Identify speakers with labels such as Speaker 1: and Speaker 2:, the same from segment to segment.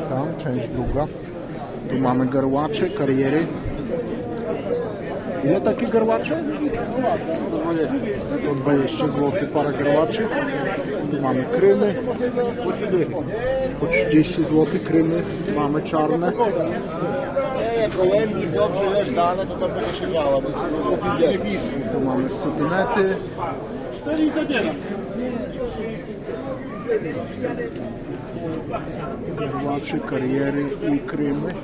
Speaker 1: tam, część druga. Tu mamy garłacze, kariery. Ile takie garłacze? 120 zł para garłaczy. Tu mamy krymy. Po 30 zł krymy. Mamy czarne.
Speaker 2: Nie, gołębi dobrze jest dane, to tam będzie się działo, więc
Speaker 1: Tu mamy sutynety.
Speaker 2: 4 i zabieram.
Speaker 1: Garłacze, kariery i krymy.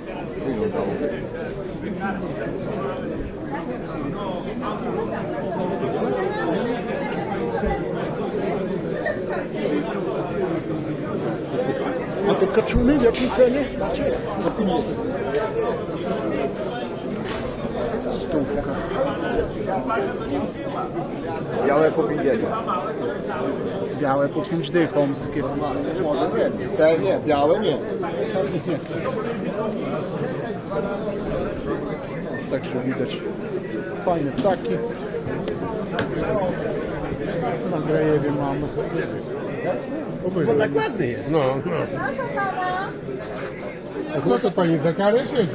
Speaker 1: A te kaczuny w jakiej cenie? Stówka.
Speaker 2: Białe po 50.
Speaker 1: Białe po 5 dych, omskie.
Speaker 2: Te nie, białe nie.
Speaker 1: Także widać fajne ptaki. Na Grajewie mamy.
Speaker 3: Bo tak ładny jest.
Speaker 4: No, no. A co to pani za karę siedzi?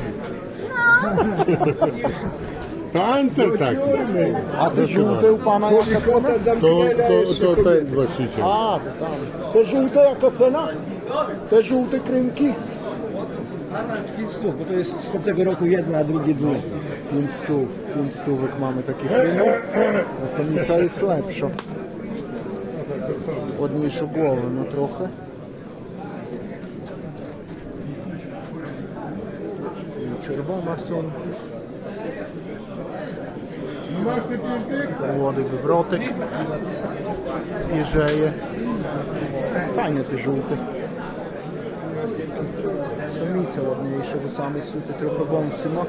Speaker 4: To Ancel tak.
Speaker 1: A te żółte u pana jaka cena?
Speaker 4: To ten właściciel.
Speaker 1: A, to tam. Te żółte jaka cena? Te żółte krymki?
Speaker 3: 5 stów, bo to jest z tamtego roku jedna, a drugie dwóch.
Speaker 1: 5 stówek mamy takie krymy. A samica jest lepsza. Ładniejszą głowę, no trochę. Czerwona są. Młody wywrotek. Jeżeje. Fajne te żółte. Samice ładniejsze, bo samiec tutaj trochę wąsy ma.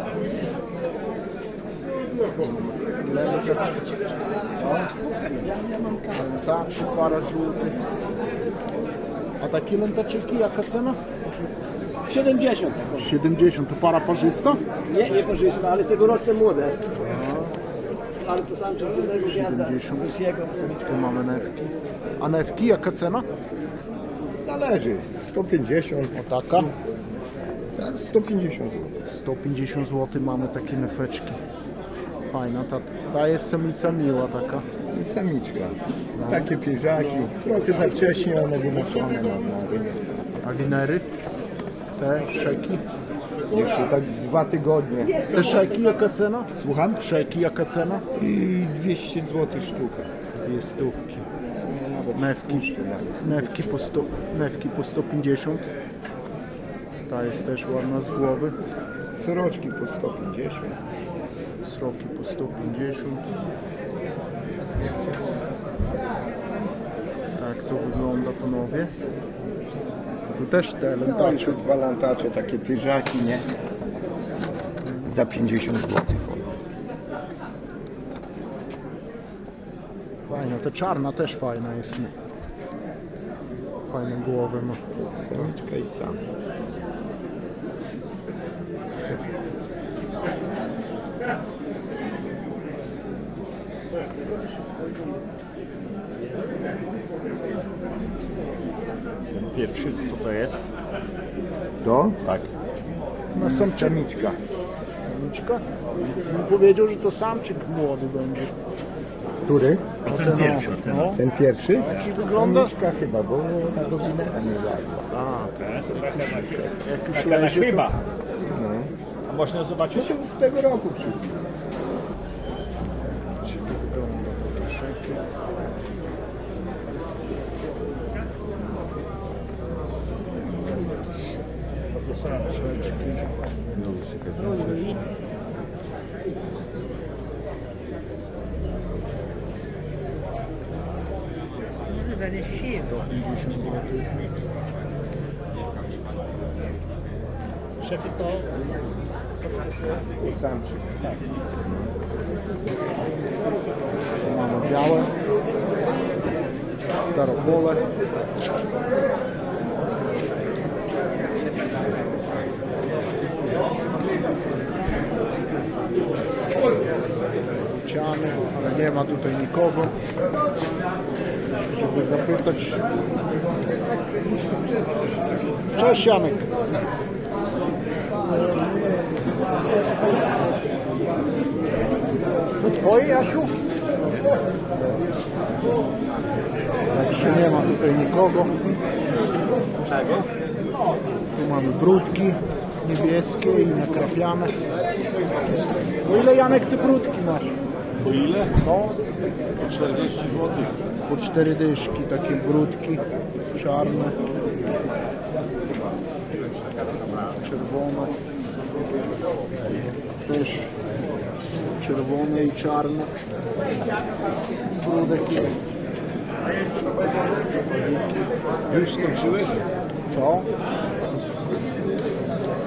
Speaker 1: Lętaczy, para żółtych. A takie lętaczyki, jaka cena?
Speaker 3: 70.
Speaker 1: 70, to para parzysta?
Speaker 3: Nie, nie korzysta, ale tegoroczne młode. Ale to samczyk z jednego gniazda,
Speaker 1: 70.
Speaker 3: z jego samiczka.
Speaker 1: Tu mamy newki. A newki, jaka cena?
Speaker 2: Zależy. 150.
Speaker 1: O taka?
Speaker 2: 150 zł.
Speaker 1: 150 zł mamy takie nefeczki. Fajna, ta jest samica miła taka.
Speaker 2: I samiczka. Takie pierzaki. Trochę za wcześnie one wynoszone na rynek.
Speaker 1: A winery? Te szeki?
Speaker 2: Jeszcze tak 2 tygodnie.
Speaker 1: Te szeki, jaka cena?
Speaker 2: Słucham?
Speaker 1: Szeki, jaka cena?
Speaker 2: I 200 zł sztuka.
Speaker 1: 2 stówki.
Speaker 2: Nawet
Speaker 1: Newki, newki po 150. Ta jest też ładna z głowy.
Speaker 2: Sroczki po 150.
Speaker 1: Sroki po 150. Tak to wygląda, panowie. Tu też te lętacze.
Speaker 2: Tańsze 2 lantacze, takie pierzaki, nie? Za 50 zł.
Speaker 1: Fajna, ta czarna też fajna jest. Fajne głowy ma.
Speaker 2: Samiczka i samczyk.
Speaker 5: Pierwszy, co to jest?
Speaker 2: To?
Speaker 5: Tak.
Speaker 1: No
Speaker 2: Samiczka.
Speaker 1: samiczka. Bym powiedział, że to samczyk młody będzie.
Speaker 2: Który?
Speaker 5: A ten pierwszy, ten.
Speaker 1: No,
Speaker 2: Ten pierwszy?
Speaker 1: taki wygląda.
Speaker 2: Samiczka chyba, bo ona do winera nie wlazła.
Speaker 1: A, jak już
Speaker 5: Taka na
Speaker 1: leży,
Speaker 5: chyba.
Speaker 2: No.
Speaker 5: A można zobaczyć?
Speaker 2: To z tego roku wszystko.
Speaker 5: Szefy to
Speaker 2: Samczyk.
Speaker 1: mamy białe, staropole. Ciany, ale nie ma tutaj nikogo, żeby zapytać. Cześć Janek. To twoje, Jasiu? Także nie ma tutaj nikogo.
Speaker 5: Czego?
Speaker 1: Tu mamy brudki niebieskie i nakrapiane. Po ile, Janek, ty brudki masz?
Speaker 2: Po ile?
Speaker 1: No,
Speaker 2: Po 40 zł.
Speaker 1: po 4 dyszki, takie brudki czarne, czerwone, też czerwone i czarne. Brudek jest.
Speaker 2: Już skończyłeś?
Speaker 1: Co?